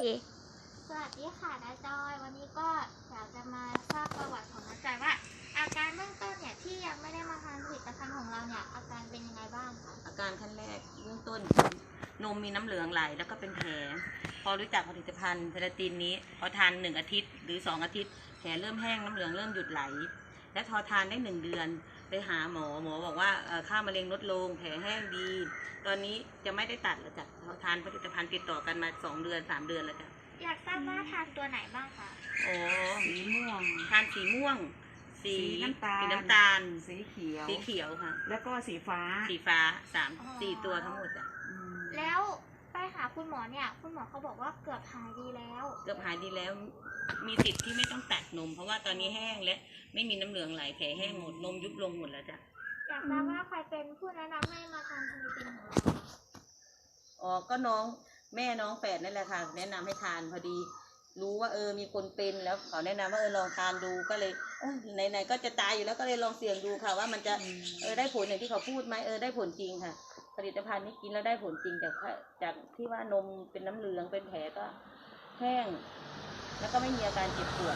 สวัสดีค่ะน้าจอยวันนี้ก็อยากจะมาทราบประวัติของน้าจอยว่าอาการเบื้องต้นเนี่ยที่ยังไม่ได้มาทานผลิตภัณฑ์ของเราเนี่ยอาการเป็นยังไงบ้างคะอาการขั้นแรกเบื้องต้นนมมีน้ำเหลืองไหลแล้วก็เป็นแผลพอรู้จักผลิตภัณฑ์เทราตินนี้พอทาน1 อาทิตย์หรือ2 อาทิตย์แผลเริ่มแห้งน้ำเหลืองเริ่มหยุดไหลและพอทานได้1 เดือนไปหาหมอบอกว่าค่ามะเร็งลดลงแผลแห้งดี ตอนนี้จะไม่ได้ตัดแล้วจ้ะพอทานผลิตภัณฑ์ติดต่อกันมา2 เดือน3 เดือนแล้วจ้ะอยากทราบว่าทานตัวไหนบ้างคะโอ้สีม่วงทานสีม่วงสีน้ำตาลสีเขียวค่ะแล้วก็สีฟ้า 4 ตัวทั้งหมดจ้ะแล้วไปหาคุณหมอเนี่ยคุณหมอเขาบอกว่าเกือบหายดีแล้วมีสิทธิ์ที่ไม่ต้องตัดนมเพราะว่าตอนนี้แห้งและไม่มีน้ำเหลืองไหลแผลแห้งหมดนมยุบลงหมดแล้วจ้ะอยากทราบว่าใครเป็นผู้แนะนำให้มาทานผลิตภัณฑ์ของเราอ๋อก็แม่น้องแฝดนั่นแหละค่ะแนะนำให้ทานพอดีรู้ว่ามีคนเป็นแล้วเขาแนะนำว่าลองทานดูก็เลยไหนๆก็จะตายอยู่แล้วก็เลยลองเสี่ยงดูค่ะว่ามันจะได้ผลอย่างที่เขาพูดไหมได้ผลจริงค่ะผลิตภัณฑ์นี้กินแล้วได้ผลจริงจากที่ว่านมเป็นน้ำเหลืองเป็นแผลก็แห้งแล้วก็ไม่มีอาการเจ็บปวด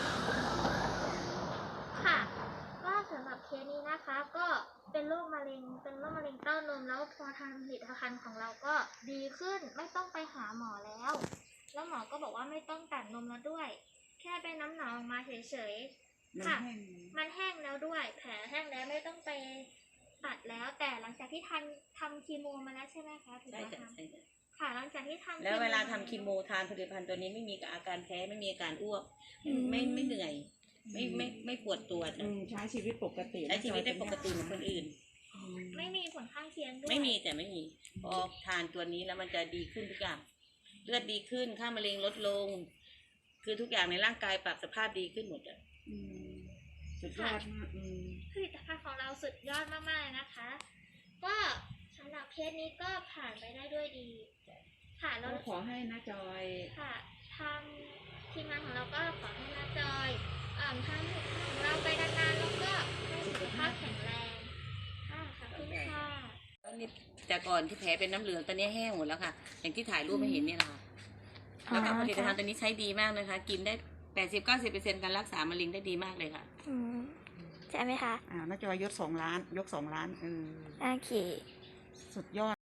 ค่ะก็สำหรับเคสนี้นะคะก็เป็นโรคมะเร็งเต้านมแล้วพอทานผลิตภัณฑ์ของเราก็ดีขึ้นไม่ต้องไปหาหมอแล้วหมอก็บอกว่าไม่ต้องตัดนมแล้วด้วยแค่เป็นน้ำหนองออกมาเฉยๆค่ะมันแห้งแล้วด้วยแผลแห้งแล้วไม่ต้องไปตัดแล้วแต่หลังจากที่ทำคีโมมาแล้วใช่ไหมคะใช่จ้ะค่ะหลังจากที่ทำแล้วเวลาทำคีโมทานผลิตภัณฑ์ตัวนี้ไม่มีอาการแพ้ไม่มีอาการอ้วกไม่เหนื่อยไม่ปวดตัวใช้ชีวิตปกติใช้ชีวิตได้ปกติเหมือนคนอื่นไม่มีผลข้างเคียงด้วยไม่มีพอทานตัวนี้แล้วมันจะดีขึ้นทุกอย่างเลือดดีขึ้นค่ามะเร็งลดลงคือทุกอย่างในร่างกายปรับสภาพดีขึ้นหมดเลยสุดยอดมากผลิตภัณฑ์ของเราสุดยอดมากๆเลยนะคะก็สำหรับเคสนี้ก็ผ่านไปได้ด้วยดีค่ะแล้วขอให้น้าจอยค่ะทางทีมงานของเราก็ขอให้น้าจอยทำของเราไปนานๆแล้วก็ให้สุขภาพแข็งแรงค่ะขอบคุณค่ะตอนนี้แต่ก่อนที่แผลเป็นน้ำเหลืองตอนนี้แห้งหมดแล้วค่ะอย่างที่ถ่ายรูปให้เห็นเนี่ยค่ะแล้วก็ผลิตภัณฑ์ตัวนี้ใช้ดีมากนะคะกินได้80-90%การรักษามะเร็งได้ดีมากเลยค่ะใช่ไหมคะน้าจอยยก2 ล้านโอเคสุดยอด